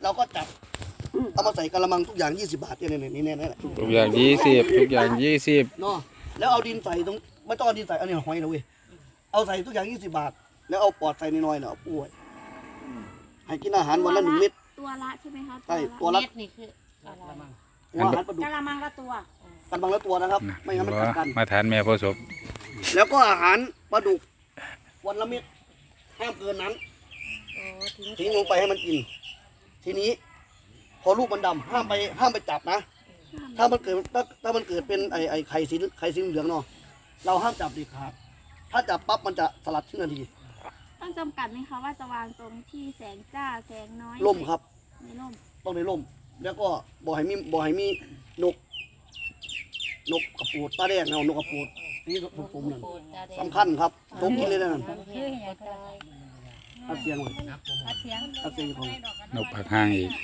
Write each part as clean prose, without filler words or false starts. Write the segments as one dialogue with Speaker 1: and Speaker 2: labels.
Speaker 1: เราก็จับเอามาใส่กระมังทุกอย่าง20 บาทเนี่ยนี่แหละ
Speaker 2: ทุกอย่าง20ทุกอย่าง20
Speaker 1: เนาะแล้วเอาดินใส่ตรงไม่ต้องเอาดินใส่อันนี้หอยนะเว้ยเอาใส่ทุกอย่าง20 บาทแล้วเอาปอดใส่น้อยๆเนาะป่วยให้กินอาหารวันละ1 เม็ด
Speaker 3: ตัวละใช่ไหมคะ
Speaker 1: ใช่ตัวละ
Speaker 4: เม็ดนี่คืออะไร
Speaker 1: หัวอาหารปลาดุก
Speaker 3: กะละมังละตัว
Speaker 1: กันบางละตัวนะครับไม่งั้นมันกัดกัน
Speaker 2: มาทานแม่พ่อศพ
Speaker 1: แล้วก็อาหารปลาดุกวันละเม็ดห้ามเกินนั้น
Speaker 4: โอ้
Speaker 1: ทิ้งลงไปให้มันกิน ทีนี้ พอลูกมันดำห้ามไปจับนะ ถ้ามันเกิดถ้ามันเกิดเป็นไอไข่สีเหลืองเนาะเราห้ามจับเด็ดขาดถ้าจับปั๊บมันจะสลัดทิ้งทันที
Speaker 3: ต้องจำกัดไหมคะว่าจะวางตรงที่แสงจ้าแสงน้อย
Speaker 1: ร่มครับ
Speaker 3: ในร่ม
Speaker 1: ต้องในร่ม แล้วก็บ่อให้มีนกกระปูดตาแดงเนาะนกกระปูดนี่ผมนั่นสำคัญครับตกกินเลยนะนั่นอัดเสียงเลยอัดเสียงของ
Speaker 2: นกผักห้างอีก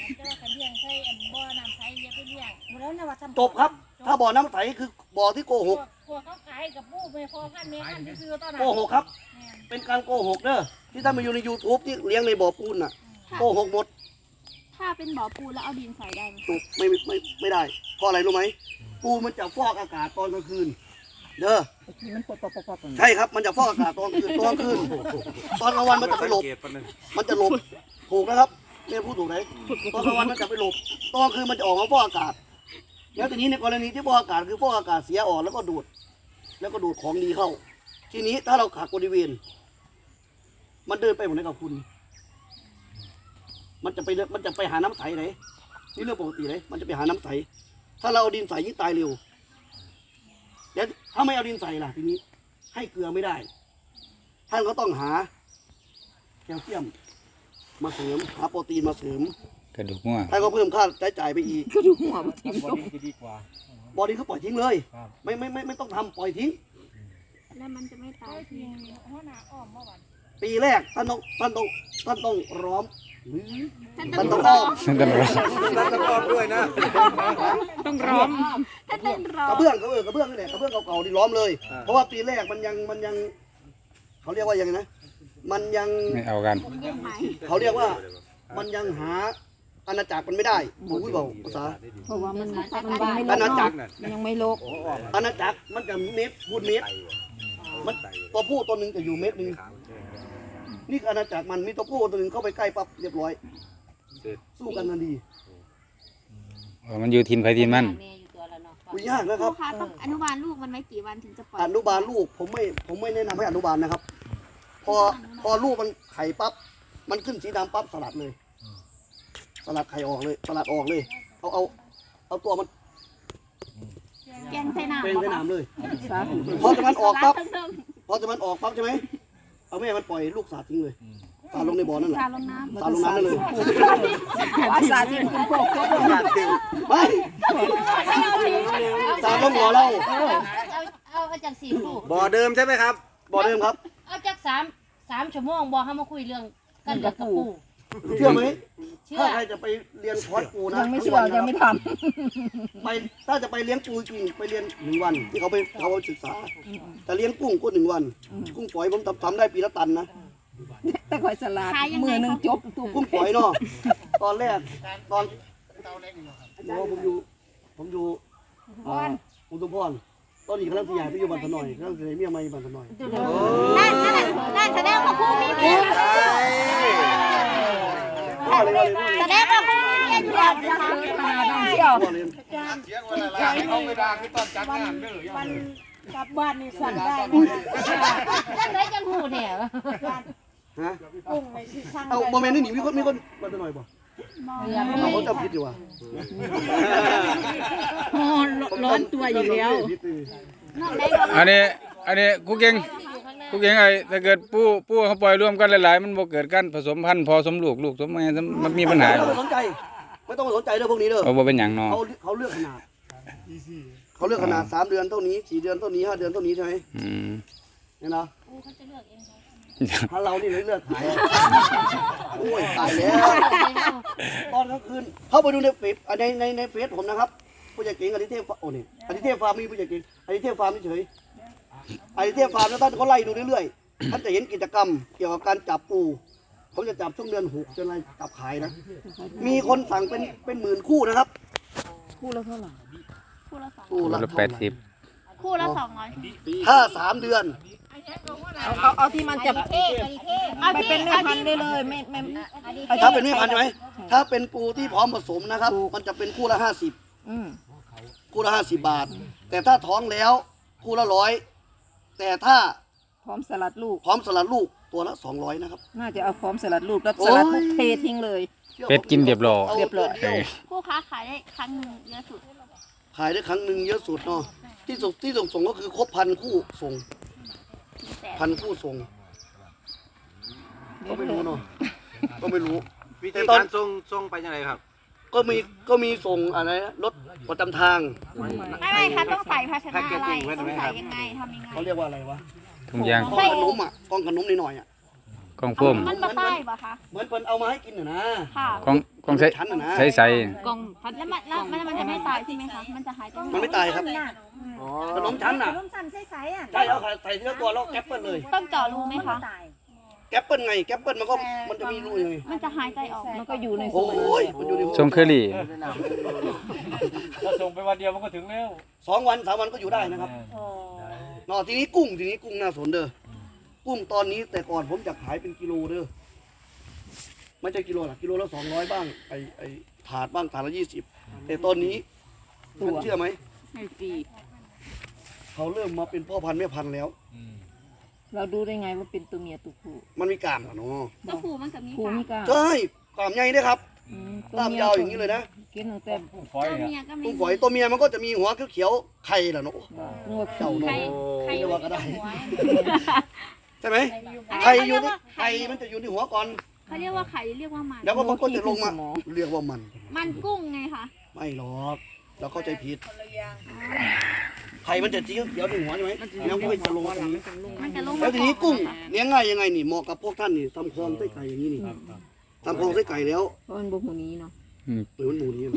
Speaker 1: จบครับ ถ้าบ่อน้ำใสคือบ่อที่โกหก
Speaker 5: พวกเขาขายกับปูไปพอพันเมตรซื้อตอนนั้
Speaker 1: โกหกครับ เป็นการโกหกเด้อที่ท่านมาอยู่ใน YouTube ที่เลี้ยงในบ่อปูนน่ะโกหกหมด
Speaker 3: ถ้าเป็นบ่อปูแล้วเอาดินใส่ได้ไหม
Speaker 1: ถูกไม่ได้เพราะอะไรรู้ไหมปูมันจะฟอกอากาศตอนกลางคืนเด้อใช่ครับมันจะฟอกอากาศตอนกลางคืนตอนกลางวันมันจะไปหลบมันจะหลบถูกนะครับเนี่ยพูดถูกไหมตอนกลางวันมันจะไปหลบตอนกลางคืนมันจะออกมาฟอกอากาศแล้วทีนี้ในกรณีที่ฟอกอากาศคือฟอกอากาศเสียออกแล้วก็ดูดของดีเข้า ทีนี้ถ้าเราขาดบริเวณมันเดินไปหมดเลยกับคุณ มันจะไปหาน้ำใสไหนนี่เรื่องปกติเลยมันจะไปหาน้ำใสถ้าเราเอาดินใส่ยิ่งตายเร็วแล้วถ้าไม่เอาดินใส่ล่ะทีนี้ให้เกลือไม่ได้ท่านก็ต้องหาแคลเซียมมาเสริมหาโปรตีนมาเสริม
Speaker 2: กระดูกงัว
Speaker 1: ท่านก็เพิ่มค่าใช้จ่ายไปอีก
Speaker 6: บอดี้จะดีกว่า
Speaker 1: บอดี้ก็ปล่อยทิ้งเลยไม่ต้องทำปล่อยทิ้ง
Speaker 3: แล้วมันจะไม่ตาย
Speaker 5: หัวหน้าอ้อมเมื่อวัน
Speaker 1: ปีแรกท่านต้องร้อมหรือ
Speaker 3: ท่าน
Speaker 1: ท่าน
Speaker 3: ต้
Speaker 1: ต้
Speaker 3: อ
Speaker 1: อง งอ้อม
Speaker 2: นั่นตำรวจ
Speaker 6: แล้วก็อ้อมด้วยนะ
Speaker 3: ต้องร้องท่านต้องร้อก
Speaker 1: ระ
Speaker 3: ง
Speaker 1: เบื้องนี่แหละกระเบื้องเก่าๆที่ล้อมเลย เพราะว่าปีแรกมันยังเขาเรียกว่ายังไงนะมันยัง
Speaker 2: ไม่เอากัน
Speaker 3: ยังไหม
Speaker 1: เขาเรียกว่ามันยังหาอาณาจักรมันไม่ได้ผมพูดบอกภาษา
Speaker 7: เพราะว่ามันยังไม่
Speaker 1: อาณาจักร
Speaker 7: มันยังไม่โลก
Speaker 1: อาณาจักรมันจะเม็ดพูดเม็ดมันตัวผู้ตัวหนึ่งจะอยู่เม็ดหนึ่งนี่คืออาณาจักรมันมีตัวผู้ตัวหนึ่งเข้าไปใกล้ปั๊บเรียบร้อยสู้กันทันที
Speaker 2: มันอยู่ทินไผทินมัน
Speaker 4: แม่อยู่ตัวละเนาะ
Speaker 1: คุยยากนะค
Speaker 3: ครู
Speaker 1: รับ
Speaker 3: คะต้องอนุบาลลูกมันไว้กี่วันถึงจะปล่อย
Speaker 1: อนุบาลลูกผมไม่แนะนำให้อนุบาลนะครับ พอลูกมันไข่ปั๊บมันขึ้นสีดำปั๊บสลัดเลย สลัดไข่ออกเลยสลัดออกเลยเอาตัวมัน
Speaker 3: แกงใส่น้ำ
Speaker 1: เป็นสนามเลย
Speaker 7: สาธุ
Speaker 1: พอจะมันออกปั๊บใช่ไหมเอาแม่มันปล่อยลูกสาดทิ้งเลยสาดลงในบ่อนั่นแหละ
Speaker 3: สาลงน้ำ
Speaker 1: สาดลงน้ำนั่นเลย
Speaker 7: ภาษาที่คุณพ่อเขาบอก
Speaker 1: ไม่สาดลงบ่อเรา
Speaker 4: เอาจากสี่ลูก
Speaker 6: บ่อเดิมใช่ไหมครับ
Speaker 1: บ่อเดิมครับ
Speaker 4: เอาจาก3 ชั่วโมงบ่ให้มาคุยเรื่องกันกับปู
Speaker 1: เชื่อไหม
Speaker 4: เชื่อ
Speaker 1: ถ้าใครจะไปเรียนคอร์สปูนะ
Speaker 7: ยังไม่เชื่อยังไม่ท
Speaker 1: ไปถ้าจะไปเลี้ยงปูจริงไปเรียน1 วันที่เขาไปศึกษาแต่เลี้ยงกุ้งก็1 วัน กุ้งฝอยผมทำได้ปีละตันนะ
Speaker 7: ำแต่คอยสลัดมือหนึ่งจบตุก
Speaker 1: กุ้งฝอยเนาะตอนแรกตอนโอ้ผมอยู่ผมตุพรตอนนี้กำลังที่ใหญ่ไปอยู่บ้านพน่อยกำลังจะได้เมียใหม่บ้านพน่อย
Speaker 3: นั่นแสดงว่าครูมีเมีย
Speaker 1: พ่อเลยว่าเลย
Speaker 3: แสดงว่าครูมีเมียอยู่แล้วนะคะ
Speaker 7: มาต้องเที่ยว
Speaker 1: พ่อเลย
Speaker 6: เขาไม่ด่าคือตอนจัดงานเด้อ
Speaker 5: มันกลับบ้านนี่สั่นได้
Speaker 4: จังไดจังหูแท้
Speaker 1: ฮะ
Speaker 5: กุ้งในที่ข้าง
Speaker 1: เอาโมเมนต์นี่หนีมีคนบ้านพน่อยบ่
Speaker 4: เรือ
Speaker 1: เขาจำผิดอยู่ว่ะ
Speaker 7: ร้อนตัวอยู่แล้ว
Speaker 2: อันนี้กูเก่งไอ้ถ้าเกิดปูเขาปล่อยรวมกันหลายๆมันบ่เกิดการผสมพันธุ์พอสมลูกสมแม่มันมีปัญหา
Speaker 1: ไม่ต้องไปสนใจไม่ต้องไปสนใจเรื่องพวกนี้เด้อ
Speaker 2: เอาบ่เป็นหยังเนาะ
Speaker 1: เขาเลือกขนาดเขาเลือกขนาด3 เดือนเท่านี้4 เดือนเท่านี้5 เดือนเท่านี้ใช่ไหม
Speaker 2: อืม
Speaker 1: เนี่ยนะ
Speaker 4: ปูเขาจะเลือกเอง
Speaker 1: ถ้าเรานี่เลือกขายโอ้ยตายแล้วตอนกลางคืนเข้าไปดูในเฟซในเฟซผมนะครับผู้จัดเก่งอดิเทพโอ้นี่อดิเทพฟาร์มมีผู้จัดเก่งอดิเทพฟาร์มเฉยอดิเทพฟาร์มแล้วท่านเขาไล่ดูเรื่อยๆท่านจะเห็นกิจกรรมเกี่ยวกับการจับปูผมจะจับช่วงเดือน6จนอะไรจับขายนะมีคนสั่งเป็นหมื่นคู่นะครับ
Speaker 7: คู่ละเท่าไหร่
Speaker 3: คู่ละสอง
Speaker 1: คู่
Speaker 2: คน
Speaker 1: ละ
Speaker 2: ละ80
Speaker 3: คู่ละ200
Speaker 1: ถ้า3 เดือน
Speaker 7: เอาที่มันจะไปเป็นแม่พันธุ์ได้เลยไม่
Speaker 1: ถ้าเป็นแม่พันธุ์ใช่ไหมถ้าเป็นปูที่พร้อมผสมนะครับ มันจะเป็นคู่ละ50
Speaker 7: อืม
Speaker 1: คู่ละ50 บาท แต่ถ้าท้องแล้วคู่ละ100แต่ถ้า
Speaker 7: พร้อมสลัดลูก
Speaker 1: พร้อมสลัดลูกตัวละ200นะครับ
Speaker 7: น่าจะเอาพร้อมสลัดลูกแล้วสลัดลูกเททิ้งเลย
Speaker 2: เป็ดกินเรียบร้อย
Speaker 1: าดืนเดียว
Speaker 3: คู่ค้าขายได้ครั้งหนึ่งเยอะสุด
Speaker 1: ขายได้ครั้งหนึ่งเยอะสุดเนาะที่ส่งก็คือครบ1,000 คู่ส่ง
Speaker 3: 100,000
Speaker 1: 1,000 คู่ส่งก็ไม่รู้เนาะก็ไม่รู้
Speaker 6: วิธีการส่งไปยังไงครับ
Speaker 1: ก็มีส่งอะไรนะรถประจำทาง
Speaker 3: ไม่ค่ะต้องใส่ภาชนะอะไรต้องใส่ยังไงทำยังไง
Speaker 1: เขาเรียกว่าอะไรวะ
Speaker 2: ถุงยาง
Speaker 1: กล้องขนมอ่ะกล้องขนมนิดหน่อยอ่ะ
Speaker 2: กล่องพ่ม
Speaker 3: มันมาใต้ปะคะ
Speaker 1: เหมือนเพิ่นเอามาให้กินน่ะนะ
Speaker 3: ค่ะ
Speaker 2: กล่องใส่
Speaker 1: ชั้นน่ะนะ
Speaker 2: ใส่
Speaker 3: แล้วมันจะไม่ตายใช่ไหมคะมันจะหายไป
Speaker 1: มันไม่ตายครับขนมชั้นน่ะ
Speaker 5: ขนมสั่นใสๆอ่ะ
Speaker 1: ใช่เอาใส่ทีละตัวแล้วแก๊ปเปิลเลย
Speaker 3: ต้องเจาะรูไหมคะ
Speaker 1: แก๊ปเปิลไงแก๊ปเปิลมันจะมีรูยังไง
Speaker 3: มันจะหายใจออก
Speaker 7: มันก็อยู่ใน
Speaker 1: โอ้ยมันอยู่ใน
Speaker 2: ทรงเคอรี่
Speaker 6: ถ้าส่งไปวันเดียวมันก็ถึงแล้ว
Speaker 1: 2 วัน 3 วันก็อยู่ได้นะครับเนาะทีนี้กุ้งน่าสนเด้อกุ้งตอนนี้แต่ก่อนผมจะขายเป็นกิโลเด้อไม่ใช่กิโลหรอกกิโลละ200บ้างไอถาดบ้างถาดละ20แต่ตอนนี้คุณเชื่อไหม
Speaker 7: ให้ฟรี
Speaker 1: เขาเริ่มมาเป็นพ่อพันธุ์แม่พันธุ์แล้ว
Speaker 7: เราดูได้ไงว่าเป็นตัวเมียตัวผู้
Speaker 1: มันมีกล้ามอะเนาะ
Speaker 3: ตัวผู้มันจะมี
Speaker 7: ผู้
Speaker 3: ค่ะ
Speaker 7: มีกล้าม
Speaker 1: ใช่กล้ามใหญ่ด้วยครับ
Speaker 7: อืม
Speaker 1: กล้ามยาวอย่างนี้เลยนะ
Speaker 7: กินตั้งแต่
Speaker 6: ฟอย
Speaker 3: ตัว
Speaker 6: เนี่ย
Speaker 3: เมียก็มี
Speaker 1: กุ้งฝอยตัวเมียมันก็จะมีหัวเขียวๆไข่ล่ะเนาะ
Speaker 7: งวด
Speaker 1: เจ้า
Speaker 3: ใคร
Speaker 1: เนาะ
Speaker 3: ใคร
Speaker 1: เรียกว่าก็ได้
Speaker 3: หัว
Speaker 1: ใช่ไหม
Speaker 3: อัน
Speaker 1: ไข่
Speaker 3: นี้
Speaker 1: อยู่
Speaker 3: เขาเรียก
Speaker 1: ที่
Speaker 3: ว่า
Speaker 1: ไข่มันจะอยู่ที่หัวก่อน
Speaker 3: เขาเรียกว่าไข่เรียกว่ามัน
Speaker 1: แล้วก็มันก็จะลงมาเรียกว่ามัน
Speaker 3: มันกุ้งไงคะ
Speaker 1: ไม่หรอกเราเข้าใจผิดไข่มันจะจี้เดี๋ยวที่หัวใช่ไหมแล้วก็จะลงมาตรงนี้
Speaker 3: มันจะลง
Speaker 1: แล้วทีนี้กุ้งเลี้ยงง่ายยังไงนี่เหมาะกับพวกท่านนี่ทำคลองไส้ไก่อย่างนี้นี่ทำคลองไส้ไก่แล้ว
Speaker 7: เพราะมันบ่หูนี้เนาะ
Speaker 1: เหมือนหมูนี้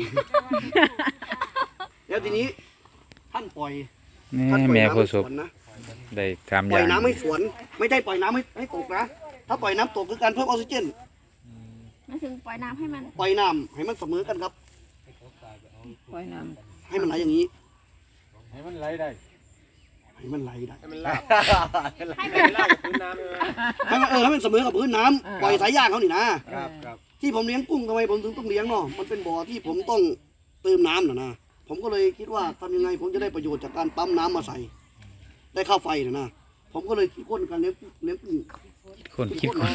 Speaker 1: แล้วทีนี้ท่านปล่อย
Speaker 2: นี่
Speaker 1: ท่านปล่อย
Speaker 2: แม่
Speaker 1: น้ำ
Speaker 2: ผู้
Speaker 1: ให้
Speaker 2: ส
Speaker 1: ส
Speaker 2: บ
Speaker 1: วนนะ
Speaker 2: ได้3
Speaker 1: ปล่อย
Speaker 2: อย่าง
Speaker 1: น้ำให้สวน ไม่ได้ปล่อยน้ำให้ตกนะ ถ้าปล่อยน้ำตกคือการเพิ่มออกซิเจน
Speaker 3: มันถึงปล่อยน้ำให้มัน
Speaker 1: ปล่อยน้ำให้มันเสมอกันครับ
Speaker 7: ปล่อยน้
Speaker 1: ให้มันไหลอย่างนี้
Speaker 6: ให้มันไหลได้
Speaker 1: ให้มันไหลได้
Speaker 6: ให้มันลาก
Speaker 3: ให้
Speaker 6: ให้
Speaker 3: มัน
Speaker 6: มันลากกับพื้นน้ำใช่ไหม
Speaker 1: ให้มันเสมอกับพื้นน้ำปล่อยสายยางเขานี่นะ
Speaker 6: ครับ
Speaker 1: ที่ผมเลี้ยงกุ้งทำไมผมถึงต้องเลี้ยงเนาะ มันเป็นบ่อที่ผมต้องเติมน้ำนะ ผมก็เลยคิดว่าทำยังไงผมจะได้ประโยชน์จากการปั๊มน้ำมาใส่ ได้ค่าไฟนะ ผมก็เลยคิดค้นการเลี้ยงกุ้ง
Speaker 2: คนคิดคน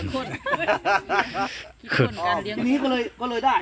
Speaker 1: ทีนี้ก็เลยได้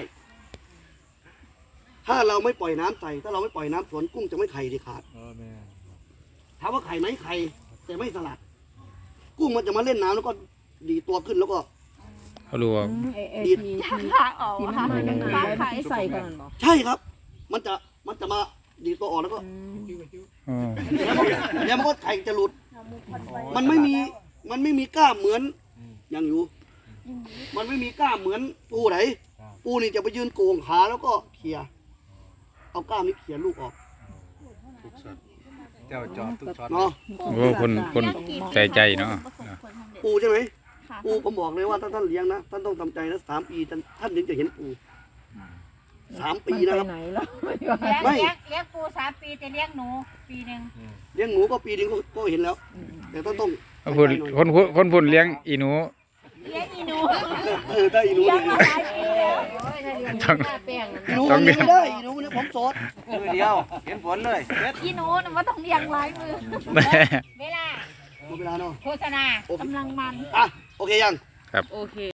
Speaker 1: ถ้าเราไม่ปล่อยน้ำใส่ ถ้าเราไม่ปล่อยน้ำสวนกุ้งจะไม่ไข่เด็ดขาด ถามว่าไข่ไหมไข่แต่ไม่สลัด กุ้งมันจะมาเล่นน้ำแล้วก็ดีตัวขึ้นแล้วก็
Speaker 2: เขารู้ว่า
Speaker 7: ำไอ้
Speaker 1: ดีด
Speaker 7: ที่
Speaker 3: ขาออก
Speaker 7: ที่มัน
Speaker 3: ค่ะ
Speaker 7: มาจากไหน
Speaker 3: ฟ้าไข่
Speaker 7: ที่ใส่ก่อนบ่
Speaker 1: ใช่ครับ มันจะมาดีดตัวออกแล้วก็
Speaker 2: อ๋อ
Speaker 1: แล้วมันก็ไข่จะหลุด มันไม่มีกล้ามเหมือนอย่างอยู่ มันไม่มีกล้ามเหมือนปูไหนปูนี่จะไปยืนโกงขาแล้วก็เขี่ยเอากล้ามนี้เขี่ยลูกออก
Speaker 6: เจ้าจอดทุกช็อต
Speaker 1: เนาะ
Speaker 2: โอ้คนใจเนาะ
Speaker 1: ปูใช่ไหม
Speaker 3: ค่ะ
Speaker 1: ปูผมบอกเลยว่าถ้าท่านเลี้ยงนะท่านต้องทำใจนะ3 ปีท่านถึงจะเห็นปู3 ปีนะครับ
Speaker 7: มัไปไหนแล้ว
Speaker 1: ไม่
Speaker 5: เลี้ยงปู3 ปีแต่เลี้ยงหนูปีหนึ่ง
Speaker 1: เลี้ยงหนูก็ปีนึงก็เห็นแล้ว แต่ท่านต้อง
Speaker 2: เขาพูดคนพูดเลี้ยงอีหนู
Speaker 5: เลี้ยงอีหนู
Speaker 1: ถ้าอีหนู
Speaker 5: เลี้ยง
Speaker 1: นี่
Speaker 5: มาหลายปีแล้ว
Speaker 2: ต้อง
Speaker 1: อีหนูมันเลี้ยงไม่ได้อีหนูมันผมโสด
Speaker 6: มือเดียวเห็นผลเลยเด็ด
Speaker 3: อีหนูน่ะว่าต้องเลี้ยงหลายมือ
Speaker 5: เวลา
Speaker 1: หมดเวลาเนาะ
Speaker 5: โฆษณา
Speaker 3: กำลังมัน
Speaker 1: อ่ะโอเคยัง
Speaker 7: โอเค